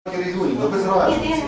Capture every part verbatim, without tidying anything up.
регіонів, ну без разниці.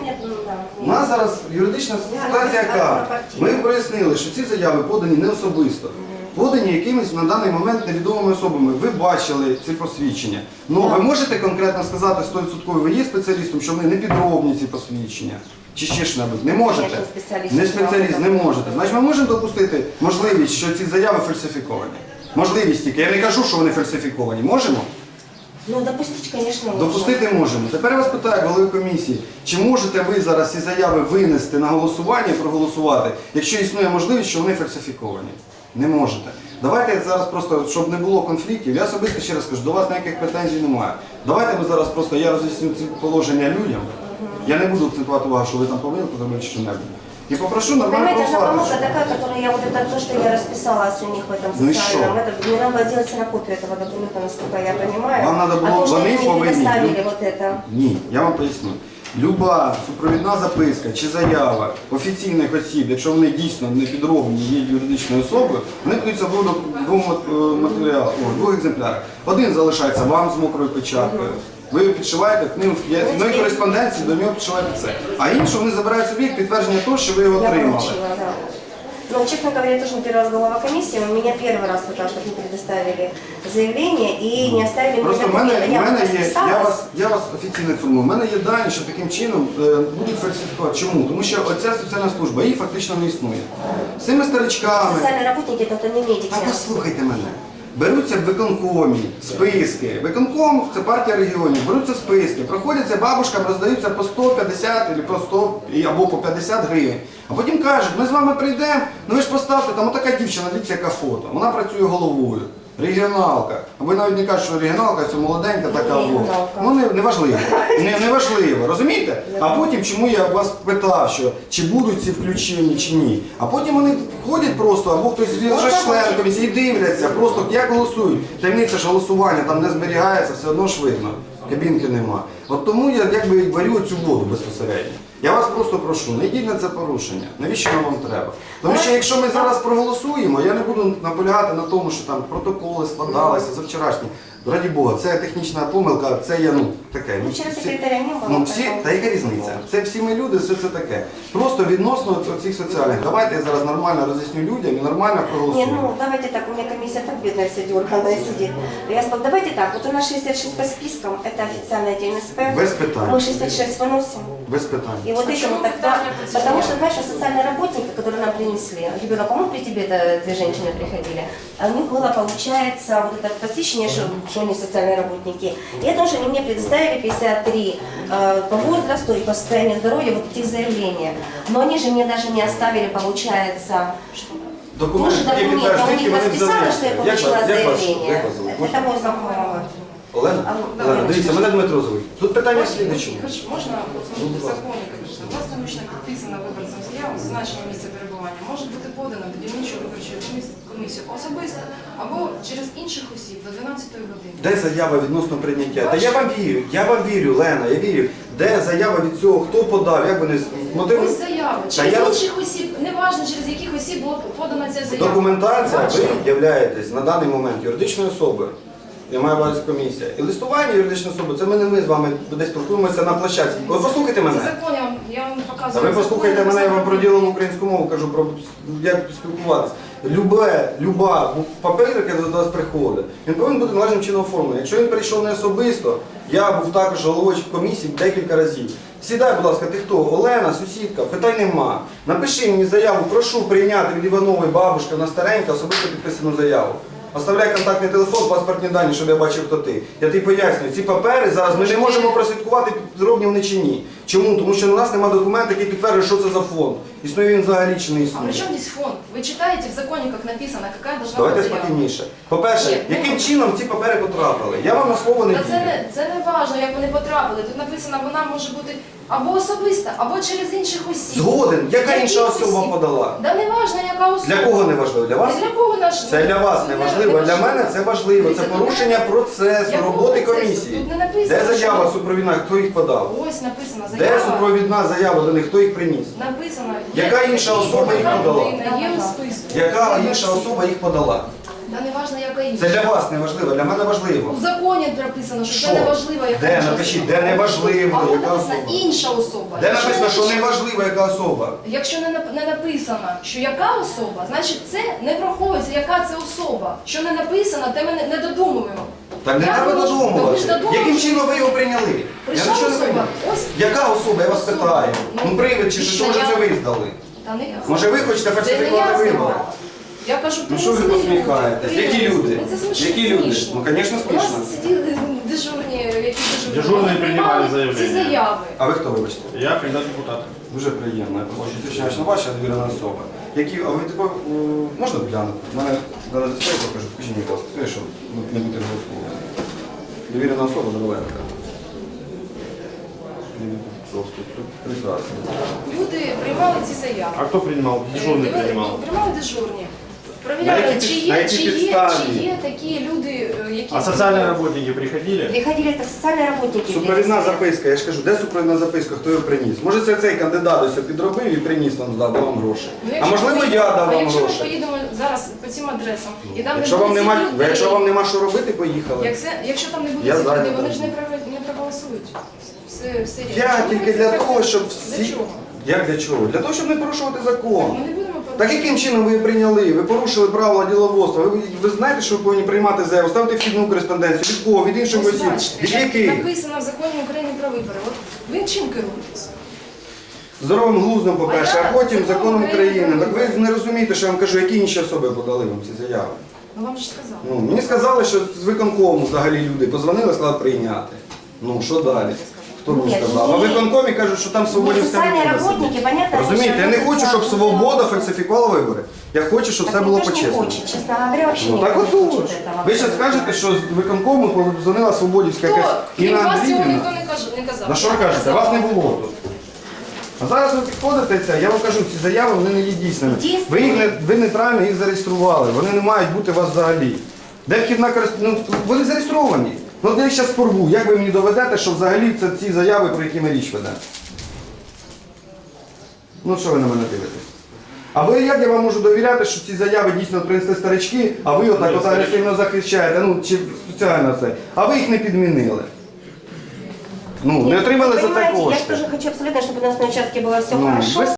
У нас зараз юридична ситуація яка? Ми прояснили, що ці заяви подані не особисто. Подані якимись на даний момент невідомими особами. Ви бачили ці посвідчення. Ну, ви можете конкретно сказати сто відсотків, ви є спеціалістом, що вони не підробні ці посвідчення? Чи ще ж-небудь? Не можете? Не спеціаліст, не можете. Значить, ми можемо допустити можливість, що ці заяви фальсифіковані? Можливість тільки. Я не кажу, що вони фальсифіковані. Можемо? Ну, допустити, звісно, можемо. Допустити можемо. Тепер я вас питаю, голови комісії, чи можете ви зараз ці заяви винести на голосування і проголосувати, якщо існує можливість, що вони фальсифіковані? Не можете. Давайте зараз просто, щоб не було конфліктів, я особисто ще раз кажу, до вас ніяких претензій немає. Давайте ми зараз просто, я роз'ясню ці положення людям, я не буду акцентувати увагу, що ви там помилку зробили чи що-небудь. И попрошу нормально понимаете, голосовать. одна помылка такая, которую я вот это, то, что я расписалась у них в этом Ну социальном, это, мне надо делать ксерокопию этого документа, насколько я понимаю. Вам надо а было, то, что вони они мне повинні. предоставили вот это. Ні, я вам поясню. Люба супровідна записка чи заява офіційних осіб, якщо вони дійсно не підроблені, є юридичною особою, вони подаються в двох матеріалах, в двох екземплярах. Один залишається вам з мокрою печаткою. Ви підшиваєте книгу, в одній кореспонденції до нього підшиваєте це. А інше вони забирають собі як підтвердження того, що ви його Я отримали. получила, да. Но, честно говоря, я тоже не первый раз глава комиссии, у меня первый раз вот так, чтобы не предоставили заявление и не оставили мне Просто в мене, документы. в Я мене вот є, я расписалась. вас, я вас офіційно інформую, в мене є дані, що таким чином е, будуть фальсифікувати. Чому? Тому що оця соціальна служба, її фактично не існує. З цими старичками... Социальные работники, это не медики. А послухайте мене. Беруться в виконкомі списки. Виконком – це партія регіонів. Беруться списки, проходяться бабушкам, роздаються по сто п'ятдесят або по сто або по п'ятдесят гривень. А потім кажуть, ми з вами прийдемо, ну ви ж поставте, там отака дівчина, дивіться, яка фото. Вона працює головою. Регіоналка. А ви навіть не кажете, що регіоналка, це молоденька така. Ну не, не важливо. Не, не важливо, розумієте? А потім, чому я вас питав, що чи будуть ці включені, чи ні. А потім вони ходять просто, або хтось з членів комісії дивляться, просто як голосують. Таємниця ж голосування там не зберігається, все одно ж видно. Кабінки нема. От тому я якби варю цю воду безпосередньо. Я вас просто прошу, не йдіть на це порушення. Навіщо воно вам треба? Тому що якщо ми зараз проголосуємо, я не буду наполягати на тому, що там протоколи складалися за вчорашні. Раді Бога, це технічна помилка, це є, ну, таке. Ну, вчора секретаря не було. Ну, всі, та яка різниця? Це всі ми люди, все це таке. Просто відносно цих соціальних. Давайте я зараз нормально роз'ясню людям і нормально Не, проголосуємо. ну давайте так, у меня комиссия так бедная вся дерганая сидит. Я сказала, давайте так, вот у нас шестьдесят шесть по спискам, это официальная ДНСП. Без питань. Мы шестьдесят шесть выносим. Без питань. И вот этим тогда, потому что, знаешь, социальные работники, которые нам принесли, ребенок, по-моему, при тебе это две женщины приходили, у них было, получается, вот это посвящение, что, что они социальные работники. И это уже они мне предоставили пятьдесят три э, по возрасту и по состоянию здоровья вот этих заявления. Но они же мне даже не оставили, получается, Документи, тоже які документы. У підтверджують, них які вони расписано, взяли. что я Як получила вас- як вас- заявление. як вас звуть? Это мой знакомый. Олена? А, Олена, да, дивіться, мене Дмитро звуть. Тут питання в слідчому. Хорошо, можна посмотрети в законі, конечно. Власне ручно підписана виборцем заява, зазначення місця перебування може бути подана до дільничої виборчої комісії особисто або через інших осіб до дванадцятої години. Де заява відносно прийняття? Та я вам вірю, я вам вірю, Лена, я вірю. Де заява від цього, хто подав, як вони мотиви? Ось заява. Та Через я- інших осіб, неважно через яких осіб була подана ця заява. Документація, ви Бачите? являєтесь на даний момент юридичною особою. Я маю увазі комісія. І листування юридичної особи, це ми не ми з вами десь спілкуємося на площадці. Ви послухайте Це мене. закон, я вам- я вам А показую. ви послухайте закон, мене, я вам написано. про ділову українську мову кажу, про як спілкуватися. Любе, люба папір, який до вас приходить, він повинен бути належним чином оформлений. Якщо він прийшов не особисто, я був також головою комісії декілька разів. Сідай, будь ласка, ти хто? Олена, сусідка, питань нема. Напиши мені заяву, прошу прийняти від Іванової бабушки, вона старенька, особисто підписану заяву. Оставляй контактний телефон, паспортні дані, щоб я бачив, хто ти. Я тобі пояснюю, ці папери зараз ми не можемо прослідкувати, підробні вони чи ні. Чому? Тому що у нас немає документу, який підтверджує, що це за фонд. Існує він взагалі чи не А існує. при чому здесь фонд? Ви читаєте в законі, як написано, яка должна Давайте бути заява? спокійніше. По-перше, Ні, ну- яким чином ці папери потрапили? Я вам на слово не Та це вірю. не, це не важливо, як вони потрапили. Тут написано, вона може бути або особиста, або через інших осіб. Згоден. Яка Яких інша особа осіб? подала? Да не важливо, яка особа. Для кого не важливо? Для вас? Для кого наш? Це для вас не важливо, для мене це важливо. Це порушення процесу, Якого роботи процесу? комісії. Тут не написано, Де заява що- супровідна, хто їх подав? Ось написано Де заява. супровідна заява до них, хто їх приніс? Написано. Яка інша особа їх Яка подала? людина Є у списку. Яка інша особа їх подала? Та не важливо, яка інша. Це для вас не важливо, для мене важливо. У законі написано, що, Що? це не важливо, яка Де? інша Напишіть, особа. де не важливо, А яка написано особа. інша особа. Де Якщо написано, що не не важливо, яка особа? Якщо не, нап- не написано, що яка особа, значить це не враховується, яка це особа. Що не написано, те ми не, не додумуємо. Так не Як треба ви можете- Та ви додумувати. ж додумали. Яким чином ви його прийняли? Я Прийшла нічого не особа. прийняв. Ось Яка особа? Я вас особа. питаю. Ну, Ну привид чи що, може це ви здали? Та не я. Може ви хочете Це не фальсифікувати я вибори? здавала. Я кажу, Ну що ви принесли посміхаєтесь? люди. Які люди? Ну, це смішно. Які люди? смішно. Ну, звісно, У нас смішно. сиділи дежурні, які дежурні. Дежурні Вони приймали ці заявлення. заяви. А ви хто, вибачте? Я кандидат в депутати. Дуже приємно. Я просто зустрічаюсь на ваша довірена особа. Які, а ви тако, м, можна глянути? У мене зараз історію покажу, покажіть мені, будь ласка, Скажи, що не бути голословно. Довірена особа Дороленка. Прекрасно. Люди приймали ці заяви. А кто принимал? Дежурный Диви- принимал. Приймали дежурні. На Провіряли, які чи під- на є, які чи є, підставі? чи є такі люди, е, які... А социальные работники приходили? Приходили это социальные работники. Супровідна записка, я ж кажу, де супровідна записка, хто його приніс? Може це цей кандидат ось підробив і приніс вам, здав вам гроші. Ну, А якщо можливо ми- я дав а вам якщо гроші. ми поїдемо зараз по цим адресам, і там Якщо не вам буде нема, цих людей, якщо вам нема що робити, поїхали. як це, якщо там не буде Я цих людей, зайнятий. вони ж не, прав- не проголосують. Все, все рівно. Я Чому тільки ви для це того, робите? щоб Для всі. чого? Як для чого? Для того, щоб не порушувати Ми закон. не будемо Так порушувати. яким чином ви її прийняли? Ви порушили правила діловодства. Ви, ви знаєте, що ви повинні приймати заяву, ставити вхідну кореспонденцію. Від кого? Від інших Ось осіб? бачите, Від як яких? написано в законі України про вибори. От ви чим керуєтесь? Здоровим глуздом, по-перше, А а я потім законом законом України України. про Так ви не розумієте, що я вам кажу, які інші особи подали вам ці заяви. Ну вам же сказали. Ну, мені сказали, що з виконкому взагалі люди позвонили, сказали прийняти. Ну, що далі? Хто мені Ні, сказав? А в ні. виконкомі кажуть, що там свободі Ні, соціальні работники, понятно, Розумієте, я не що хочу, щоб соціальні свобода работники. фальсифікувала вибори. Я хочу, щоб все було Никто ж не по-чесному. хочет, честно говоря, вообще Ну никто так не отож. хочет этого. Ви зараз скажете, що з виконкому позвонила Свободівська Хто? якась Крім Інна вас цього Андріївна. ніхто не каже- не казав. На що ви кажете? Вас не було тут. А зараз ви підходите, це, я вам кажу, ці заяви вони не є дійсними. Дійсними. Ви, їх не, ви неправильно їх зареєстрували, вони не мають бути у вас взагалі. Де вхідна користування? Ну, вони зареєстровані. Ну от я їх зараз порву. Як ви мені доведете, що взагалі це ці заяви, про які ми річ ведемо? Ну що ви на мене дивитесь? А ви як я вам можу довіряти, що ці заяви дійсно принесли старички, а ви отак от агресивно захищаєте, ну чи спеціально це, а ви їх не підмінили. Ну, не Нет, отримали вы за це понимаете, я кошти. тоже хочу абсолютно, чтобы у нас на участке было все Ну, хорошо. без